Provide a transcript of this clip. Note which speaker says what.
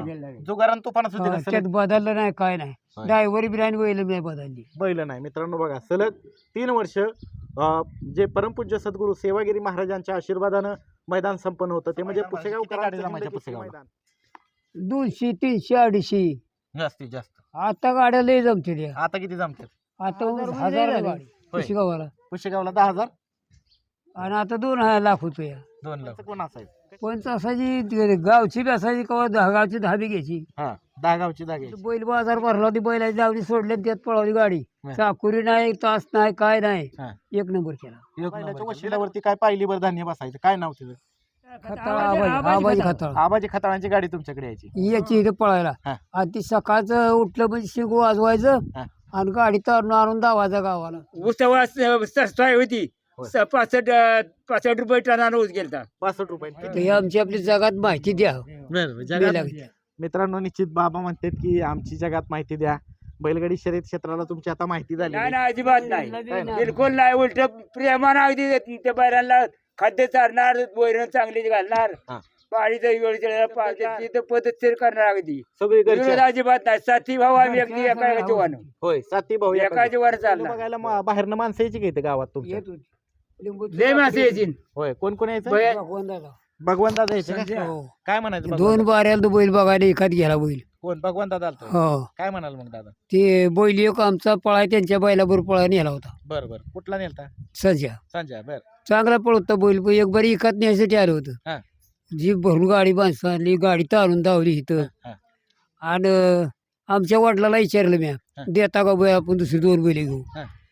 Speaker 1: जुगारान तुफानच होते का
Speaker 2: त्यात
Speaker 1: सलग?
Speaker 2: बदललं नाही काय नाही.
Speaker 1: होय.
Speaker 2: ड्रायव्हर बिराणी बैल नाही बदलली.
Speaker 1: बैल नाही मित्रांनो बघा सलग 3 वर्ष जे परमपूज्य सद्गुरू सेवागिरी महाराजांच्या आशीर्वादानं मैदान संपन्न होतं ते म्हणजे पुसेगाव मैदान
Speaker 2: 200 300 250
Speaker 1: जास्तीत जास्त.
Speaker 2: आता गाड्या लय जमतील.
Speaker 1: आता किती जमतात?
Speaker 2: आता 1000 गाडी
Speaker 1: होय.
Speaker 2: गावाला
Speaker 1: पुसेगावला 10,000
Speaker 2: आणि आता 2 लाख होतो.
Speaker 1: 2 लाख कोण असायचं?
Speaker 2: पण असायची गावची बी असायची कवा गावची दहावी घ्यायची.
Speaker 1: हा 10 गावची जागे.
Speaker 2: बैल बाजार भरला होती बैलाची दावणी सोडली आणि त्यात पळवली गाडी. चाकुरी नाही तास नाही काय नाही.
Speaker 1: हा.
Speaker 2: 1 नंबर केला.
Speaker 1: बैलाच्या वशिल्यावरती काय पाहिली बरं धान्य बसायचं काय नाव तिचं?
Speaker 2: खताळ आबाजी खताळ
Speaker 1: आबाजी खताळांची गाडी तुमच्याकडे यायची.
Speaker 2: याची इथे पळायला.
Speaker 1: हा.
Speaker 2: आणि ती सकाळचं उठलं म्हणजे शिंग वाजवायचं
Speaker 1: हा.
Speaker 2: आणि गाडी तरून आणून दावायचा गावाला.
Speaker 3: सस्ताय होती.
Speaker 1: होय.
Speaker 3: 65 रुपये टनानं ऊस गेलता.
Speaker 1: 65 रुपये.
Speaker 2: तर हे आमची आपली जगात माहिती द्या.
Speaker 1: जगात मित्रांनो निश्चित बाबा म्हणतात की आमची जगात माहिती द्या. बैलगाडी शर्यत क्षेत्राला तुमची आता माहिती झाली.
Speaker 3: नाही नाही अजिबात नाही बिलकुल नाही. उलट प्रेमानं अगदी त्या बैलांना खाद्य चारणार वैरण चांगली घालणार
Speaker 1: हा.
Speaker 3: पाळीचं वेळेच्या पद्धतशीर करणार अगदी
Speaker 1: सगळी
Speaker 3: विरोध
Speaker 1: घरची.
Speaker 3: अजिबात नाही. साथी भाऊ आम्ही अगदी एका जीवानं
Speaker 1: होय साती भाऊ
Speaker 3: एका जीवानं
Speaker 1: चाललं
Speaker 3: चालणार.
Speaker 1: बघायला बाहेरनं माणसं यायची का इथं गावात तुमच्या?
Speaker 2: येत होती. लिंबूची
Speaker 3: लय मासे यायची.
Speaker 1: होय कोण कोण यायचं?
Speaker 2: भगवान दादा.
Speaker 1: भगवान दादा यायचे का?
Speaker 2: हो.
Speaker 1: काय म्हणायचं
Speaker 2: 2 बाऱ्याला तो बैल बघायला एखाद गेला बैल.
Speaker 1: कोण भगवान दादा आलतो?
Speaker 2: हो.
Speaker 1: काय म्हणाल मग दादा?
Speaker 2: ते बैल एक आमचा पळाय त्यांच्या बैलाबरोबर पळा नेला होता.
Speaker 1: बर बर कुठला नेलता?
Speaker 2: सज्जा
Speaker 1: संजय बर.
Speaker 2: चांगला पळवता बैल पण एक बारी एकात न्यायसाठी आलं होतं.
Speaker 1: हा.
Speaker 2: जीप भरून गाडी माणसं आणली गाडी तारून धावली इथं.
Speaker 1: हा.
Speaker 2: आणि आमच्या वडिलाला विचारलं मी
Speaker 1: हा.
Speaker 2: देता का बैल आपण दुसरी 2 बैल घेऊ.
Speaker 1: हा.